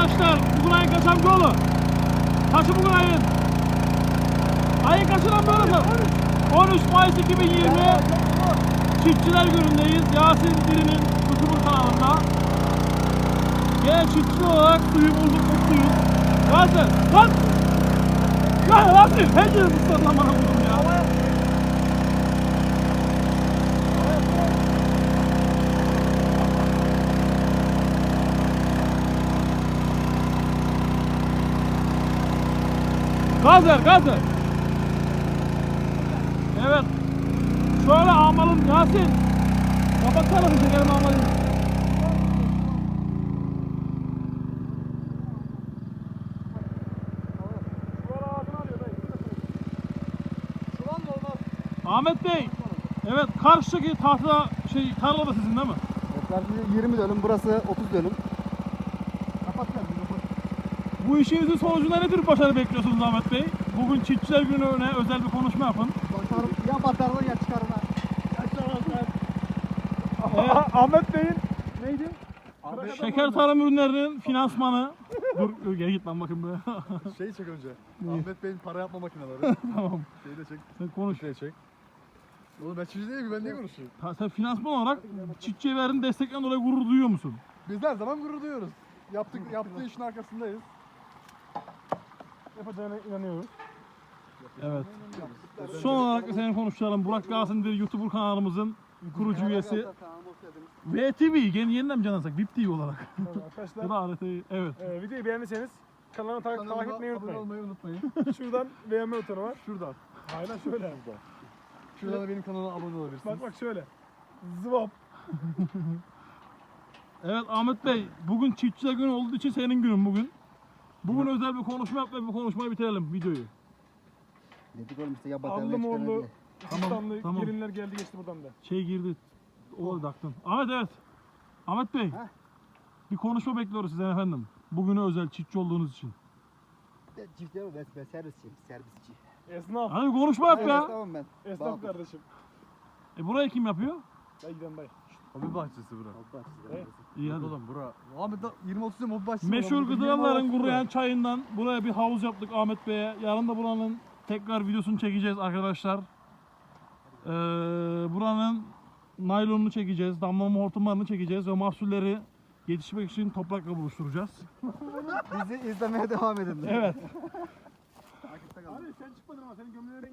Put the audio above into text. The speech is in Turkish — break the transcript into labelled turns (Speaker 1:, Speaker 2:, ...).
Speaker 1: Arkadaşlar bugün ayın kaçıncı oğlu? Kaçı bugün ayın? Ayın kaçından böyle? 13 Mayıs 2020 Çiftçiler Günü'ndeyiz. Yasin Diri'nin YouTuber kanalında. Gene çiftçi olarak suyumuzu mutluyuz. Yasin lan! Ya Yasin! Pencere ıslat lan bana vurdum ya. Gaz ver, gaz ver. Evet. Şöyle almalım Yasin. Kapat tarafı çekelim almalım. Ahmet Bey. Evet, karşıdaki tahta tarla da sizin değil mi?
Speaker 2: Karşı 20 dönüm, burası 30 dönüm. Kapat kendini, kapat.
Speaker 1: Bu işinizin sonucunda ne tür başarı bekliyorsunuz Ahmet Bey? Bugün Çiftçiler Günü'ne özel bir konuşma yapın.
Speaker 2: Ya batarlar ya çıkarlar.
Speaker 1: Evet.
Speaker 3: Ahmet Bey'in neydi?
Speaker 1: Şeker tarım ürünlerinin finansmanı. Dur geri git lan bakayım buraya.
Speaker 2: Şeyi çek önce. Ahmet Bey'in para yapma makineleri.
Speaker 1: Tamam.
Speaker 2: Şeyi de çek.
Speaker 1: Sen konuş.
Speaker 2: Şeyi çek. Oğlum ben çiftçi değilim ki, ben niye konuşuyorum?
Speaker 1: Sen finansman olarak çiftçiye verdiğin destekten dolayı gurur duyuyor musun?
Speaker 2: Biz her zaman gurur duyuyoruz. Yaptığı işin arkasındayız.
Speaker 3: Yapacağına inanıyoruz.
Speaker 1: Evet. Son olarak da seni konuşalım. Burak Yasin Diri YouTuber kanalımızın kurucu üyesi. VTV yeniden mi canlansak? VIP TV olarak.
Speaker 3: Arkadaşlar
Speaker 1: Ya da RT'yi. Evet.
Speaker 3: videoyu beğendiyseniz kanalıma takip etmeyi
Speaker 2: Abone
Speaker 3: unutmayın.
Speaker 2: olmayı unutmayın.
Speaker 3: Şuradan beğenme butonu var.
Speaker 2: Şuradan.
Speaker 3: Aynen şöyle.
Speaker 2: Şuradan da benim kanalıma abone olabilirsiniz.
Speaker 3: Bak şöyle. Zıvap.
Speaker 1: Evet Ahmet Bey, bugün Çiftçiler Günü olduğu için senin günün bugün. Bugün özel bir konuşma yap ve bu konuşmayı bitirelim videoyu.
Speaker 2: Dedik oğlum işte ya
Speaker 3: Aldım oldu.
Speaker 1: Tamam,
Speaker 3: İstanbul
Speaker 1: tamam.
Speaker 3: gelinler geldi geçti buradan da.
Speaker 1: Girdi. O taktın. Ahmet evet. Ahmet Bey.
Speaker 2: Ha?
Speaker 1: Bir konuşma bekliyoruz sizden efendim. Bugüne özel çiftçi olduğunuz için.
Speaker 2: Çift değil mi? Ben servisçiyim. Servisçi.
Speaker 3: Esnaf.
Speaker 1: Hadi bir konuşma yap ya.
Speaker 2: Tamam ben.
Speaker 3: Esnaf kardeşim.
Speaker 1: Burayı kim yapıyor?
Speaker 3: Dayı giden dayı.
Speaker 2: Hobi bahçesi bura.
Speaker 3: Evet.
Speaker 1: İyi hadi.
Speaker 2: Oğlum bura. Ahmet 20-30 yıl hobi bahçesi.
Speaker 1: Meşhur gıdaların kuruyan çayından buraya bir havuz yaptık Ahmet Bey'e. Yarın da buranın tekrar videosunu çekeceğiz arkadaşlar. Buranın naylonunu çekeceğiz, damlama hortumlarını çekeceğiz ve mahsulleri yetişmek için toprakla buluşturacağız.
Speaker 2: Bizi izlemeye devam edin.
Speaker 1: Evet.
Speaker 3: Abi sen çıkmadın ama senin gömleğin